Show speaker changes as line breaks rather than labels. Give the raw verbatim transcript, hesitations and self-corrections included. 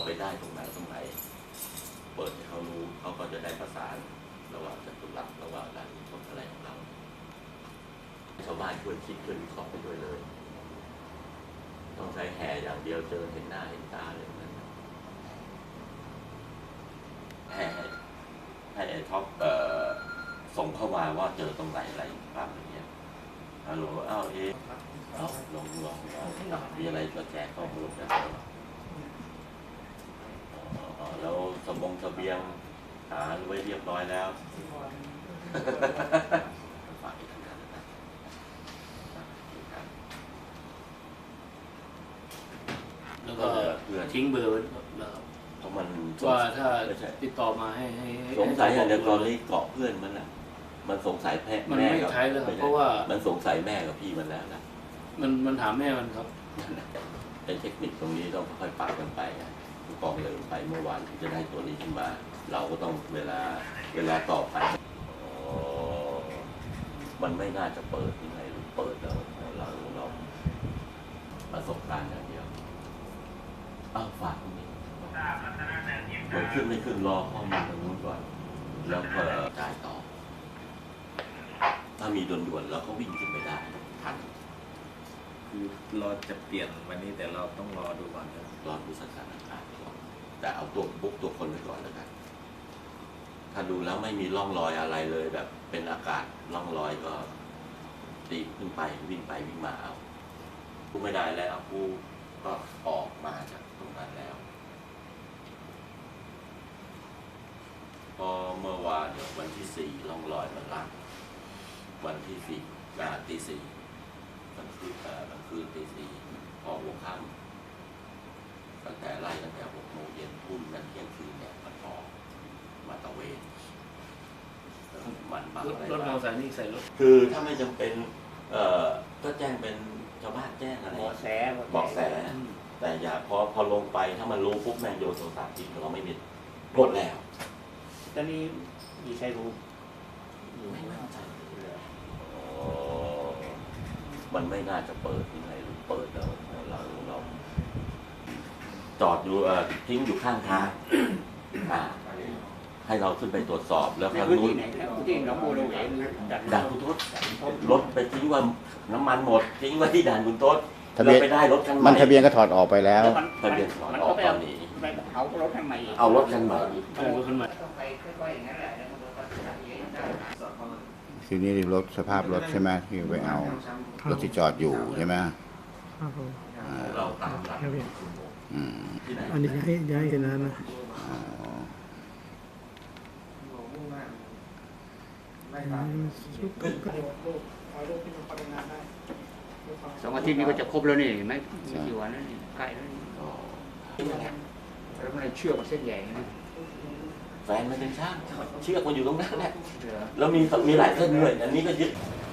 ไปได้ตรงไหนตรงไหนเปิดให้เขารู้เขาก็จะได้ประสานระหว่างจัตุรัสระหว่างการทดอะไรของเราชาวบ้านช่วยคิดช่วยวิเคราะห์ไปด้วยเลยต้องใช้แห่อย่างเดียวเจอเห็นหน้าเห็นตาเลยนั้นแห่ให้ไอ้ท็อปส่งเข้ามาว่าเจอตรงไหนอะไรบ้างอย่างเงี้ยฮัลโหลอ้าวเอ๊ะเอาลองลองลองมีอะไรก็แจกข้อมูลกันแล้วสมบงเสบียงหาไว้เรียบร้อยแล้วฝากอีกทางการนะครับ
แล้วก็เผื่อทิ้งเบอร์ไว้แล้ว
เพราะมัน
ว่าถ้าติดต่อมาให้ให้
สงสัยอย่างเดียวตอนนี้เกาะเพื่อนมันน่ะมันสงสัยแม่
มันไม่ใช้แล้วเพราะว่า
มันสงสัยแม่กับพี่มันแล้วนะ
มันมันถามแม่มันครับ
เป็นเทคนิคตรงนี้ต้องค่อยๆปรับกันไปผู้กองเลยไปเมื่อวานที่จะได้ตัวนี้ขึ้นมาเราก็ต้องเวลาเวลาต่อไปมันไม่น่าจะเปิดยังไงหรือเปิดแล้วเราเราประสบการณ์อย่างเดียวเอาฝากตรงนี้เปิดขึ้นไม่ขึ้นรอข้อมูลตรงนู้นก่อนแล้วก็จ่ายต่อถ้ามีด่วนๆเราก็วิ่งขึ้นไปได้ทัน
คือเราจะเปลี่ยนวันนี้แต่เราต้องรอดูก่อนนะ
รอดูสถานการณ์ก่อนแต่เอาตัวบุ๊กตัวคนไปก่อนแล้วกันถ้าดูแล้วไม่มีร่องรอยอะไรเลยแบบเป็นอากาศร่องรอยก็ตีขึ้นไปวิ่งไปวิ่งมาเอากูไม่ได้แล้วกูก็ออกมาจากตรงนั้นแล้วพอเมื่อวานเนี่ยวันที่สี่ร่องรอยมันลักวันที่สี่งานตีสี่มันคือเอ่อมันคือตีสี่พอหัวค่ำตั้งแต่ไล่ตั้งแต่หกโมงเย็นทุ่มกันเที่ยงคืนเนี่ยมันออกมาตะเวนมันบางอะไร
รถมอเตอร์ไซค์นี่ใส่รถ
คือถ้าไม่จำเป็นเอ่อก็แจ้งเป็นชาวบ้านแจ้งอะไร
บอกแส
บอกแสแต่อย่าพอพอลงไปถ้ามันรู้ปุ๊บแมนโยนโทรศัพท์จริงเราไม่มีหมดแล้ว
ตอนนี้มีใครรู้
ไม่มั่นใจมันไม่น่าจะเปิดยังไงหรือเปิดแล้วเราเราจอดอยู่ทิ้งอยู่ข้างทางให้เราขึ้นไปตรวจสอบแล้วครับนู้นด่านคุณทศรถไปทิ้งว่าน้ำมันหมดทิ้งไว้ที่ด่านคุณทศเราไปได้รถคันใหม่
มันทะเบียนก็ถอดออกไปแล้ว
ทะเบียนถอดออกตอนนี้
เอารถคันใหม่
เอารถคันใหม่
เอารถคันใหม่
คือนี่รถสภาพรถใช่ไหมที่ไปเอารถที่จอดอยู่ใช่ไหม
เราตามหลัก
อันนี้ย้ายย้ายกันนะนะ
สองอาทิตย์นี้ก็จะครบแล้วนี่ไหมกี่วันแล้วนี่ใกล้แล้วนี่แล้วมันเชือกมันเส้นใหญ่นะ
แฟนมันเป็นช่างเชือกมันอยู่ตรงนั้นแหละแล้วมีมีหลายเส้นด้วยอันนี้ก็ยึด